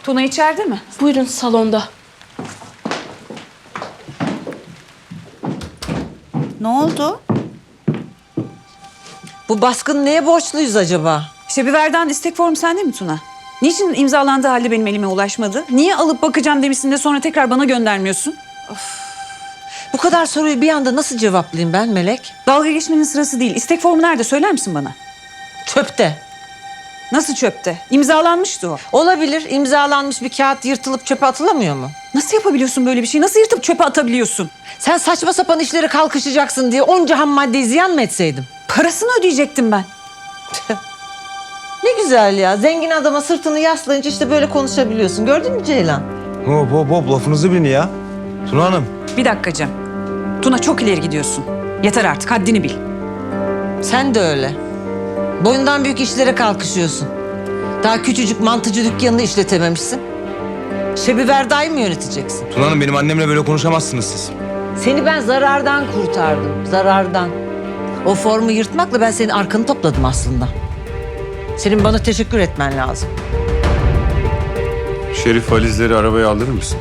Tuna içeride mi? Buyurun salonda. Ne oldu? Bu baskın neye borçluyuz acaba? Şebiver'den istek formu sende mi Tuna? Niçin imzalandığı halde benim elime ulaşmadı? Niye alıp bakacağım demişsin de sonra tekrar bana göndermiyorsun? Bu kadar soruyu bir anda nasıl cevaplayayım ben Melek? Dalga geçmenin sırası değil. İstek formu nerede söyler misin bana? Çöpte. Nasıl çöpte? İmzalanmıştı o. Olabilir, imzalanmış bir kağıt yırtılıp çöpe atılamıyor mu? Nasıl yapabiliyorsun böyle bir şeyi? Nasıl yırtıp çöpe atabiliyorsun? Sen saçma sapan işlere kalkışacaksın diye onca ham maddeyi ziyan mı etseydim? Parasını ödeyecektim ben. Ne güzel ya. Zengin adama sırtını yaslayınca işte böyle konuşabiliyorsun. Gördün mü Ceylan? Hop hop hop lafınızı bilin ya. Tuna Hanım. Bir dakika Cem. Tuna çok ileri gidiyorsun. Yeter artık, haddini bil. Sen de öyle. Boyundan büyük işlere kalkışıyorsun. Daha küçücük mantıcı dükkanını işletememişsin. Şebiverda'yı mı yöneteceksin? Tuna Hanım benim annemle böyle konuşamazsınız siz. Seni ben zarardan kurtardım. Zarardan. O formu yırtmakla ben senin arkanı topladım aslında. Senin bana teşekkür etmen lazım. Şerif valizleri arabaya aldırır mısın?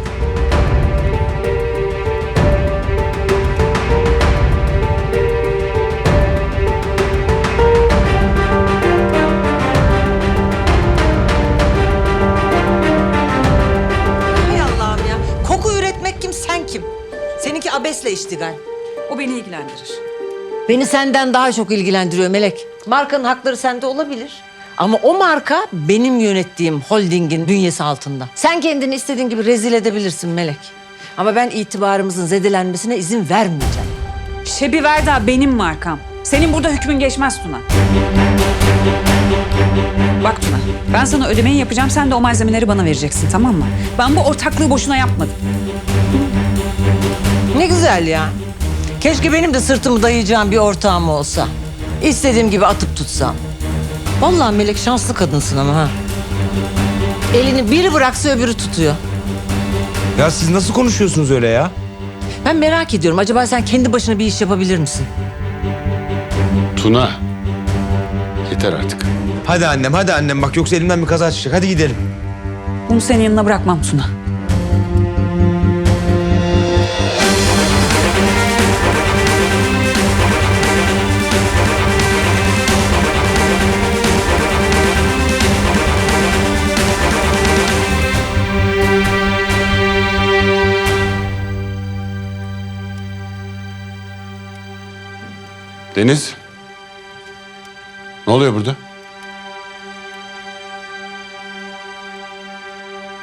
Hay Allah'ım ya. Koku üretmek kim, sen kim? Seninki abesle iştigal. O beni ilgilendirir. Beni senden daha çok ilgilendiriyor Melek. Markanın hakları sende olabilir. Ama o marka benim yönettiğim holdingin bünyesi altında. Sen kendini istediğin gibi rezil edebilirsin Melek. Ama ben itibarımızın zedelenmesine izin vermeyeceğim. Şebiverda benim markam. Senin burada hükmün geçmez Tuna. Bak Tuna, ben sana ödemeyi yapacağım. Sen de o malzemeleri bana vereceksin, tamam mı? Ben bu ortaklığı boşuna yapmadım. Ne güzel ya. Keşke benim de sırtımı dayayacağım bir ortağım olsa. İstediğim gibi atıp tutsam. Vallahi Melek şanslı kadınsın ama ha. Elini biri bıraksa öbürü tutuyor. Ya siz nasıl konuşuyorsunuz öyle ya? Ben merak ediyorum. Acaba sen kendi başına bir iş yapabilir misin? Tuna. Yeter artık. Hadi annem bak yoksa elimden bir kaza çıkacak. Hadi gidelim. Bunu senin yanına bırakmam Tuna. Deniz. Ne oluyor burada?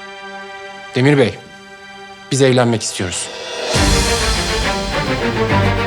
Demir Bey, biz evlenmek istiyoruz.